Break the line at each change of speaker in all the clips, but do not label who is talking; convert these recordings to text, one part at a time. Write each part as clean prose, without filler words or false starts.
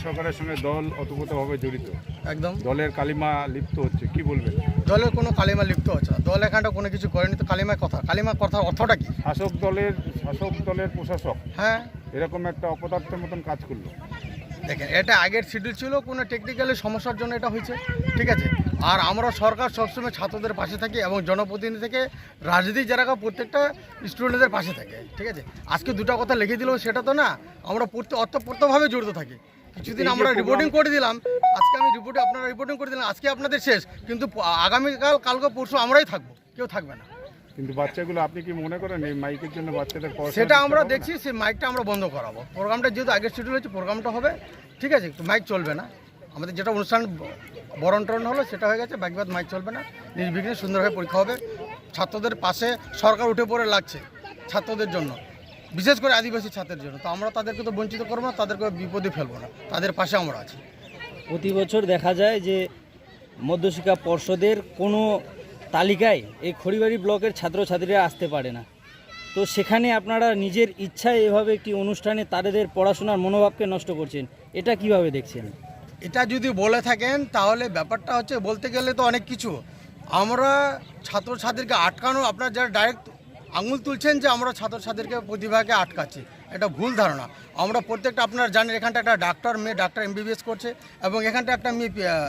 সরকারের সঙ্গে দল ওতপ্রোতভাবে জড়িত,
একদম
দলের কালিমা লিপ্ত হচ্ছে, কি বলবেন?
দলের কোনো কালিমা লিপ্ত হচ্ছে না। দল এখানটা কোনো কিছু করেনি, তো কালিমার কথার অর্থটা কি?
শাসক দলের প্রশাসক
হ্যাঁ
এরকম একটা অপদার্থের মতন কাজ করলো।
দেখেন, এটা আগের শিডিউল ছিল, কোনো টেকনিক্যালি সমস্যার জন্য এটা হয়েছে, ঠিক আছে। আর আমরা সরকার সবসময় ছাত্রদের পাশে থাকি এবং জনপ্রতিনিধি থেকে রাজনীতি যারা প্রত্যেকটা স্টুডেন্টদের পাশে থাকে, ঠিক আছে। আজকে দুটো কথা লিখে দিল সেটা তো না, আমরা অতপ্রত্যভাবে জড়িত থাকি। কিছুদিন আমরা রিপোর্টিং করে দিলাম, আজকে আপনারা রিপোর্টিং করে দিলাম, আজকে আপনাদের শেষ, কিন্তু কালকে পরশু আমরাই থাকবো, কেউ থাকবে না।
কিন্তু বাচ্চাগুলো, আপনি কি মনে করেন এই মাইকের জন্য বাচ্চাদের পড়াশোনা
সেটা আমরা
দিতে হবে না?
দেখছি, সেই মাইকটা আমরা বন্ধ করাবো। প্রোগ্রামটা যেহেতু আগের শিডিউল হয়েছে, প্রোগ্রামটা হবে, ঠিক আছে। মাইক চলবে না, আমাদের যেটা অনুষ্ঠান বরণ টরণ হলো সেটা হয়ে গেছে, বাকিবাদ মাইক চলবে না, নির্বিঘ্নে সুন্দরভাবে পরীক্ষা হবে। ছাত্রদের পাশে সরকার উঠে পড়ে লাগছে ছাত্রদের জন্য, বিশেষ করে আদিবাসী ছাত্রের জন্য। তো আমরা তাদেরকে তো বঞ্চিত করবো না, তাদেরকে বিপদে ফেলবো না, তাদের পাশে আমরা আছি।
প্রতি বছর দেখা যায় যে মধ্যশিক্ষা পর্ষদের কোনো তালিকায় এই খড়িবাড়ি ব্লকের ছাত্রছাত্রীরা আসতে পারে না। তো সেখানে আপনারা নিজের ইচ্ছায় এভাবে একটি অনুষ্ঠানে তাদের পড়াশোনার মনোভাবকে নষ্ট করছেন, এটা কিভাবে দেখছেন?
এটা যদি বলে থাকেন তাহলে ব্যাপারটা হচ্ছে, বলতে গেলে তো অনেক কিছু। আমরা ছাত্রছাত্রীকে আটকানো, আপনারা যারা ডাইরেক্ট আঙুল তুলছেন যে আমরা ছাত্রছাত্রীকে প্রতিভাকে আটকাচ্ছি, এটা ভুল ধারণা। আমরা প্রত্যেকটা, আপনারা জানেন এখানটা একটা মেয়ে ডাক্তার MBBS করছে, এবং এখানটা একটা মেয়ে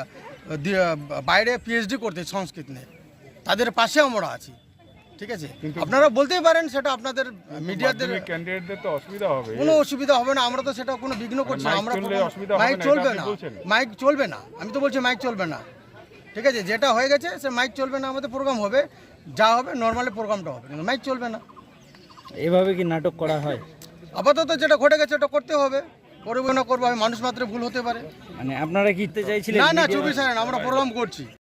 বাইরে PhD করতে সংস্কৃত নিয়ে, তাদের পাশে আমরা আছি, ঠিক আছে। আপনারা বলতেই পারেন, সেটা আপনাদের মিডিয়াদের
ক্যান্ডিডেটদের তো অসুবিধা হবে।
কোনো অসুবিধা হবে না, আমরা তো সেটা কোনো বিঘ্ন করছি না। আমরা মাইক চলবে না, মাইক চলবে না, আমি তো বলছি মাইক চলবে না, ঠিক আছে। যেটা হয়ে গেছে সে মাইক চলবে না, আমাদের প্রোগ্রাম হবে, যা হবে নর্মালি প্রোগ্রামটা হবে, কিন্তু মাইক চলবে না।
এভাবে কি নাটক করা হয়?
আপাতত যেটা ঘটে গেছে ওটা করতে হবে, করবো না করবো, আমি মানুষ মাত্র ভুল হতে পারে।
মানে আপনারা কি চাইছিলেন?
না 24 আমরা প্রোগ্রাম করছি।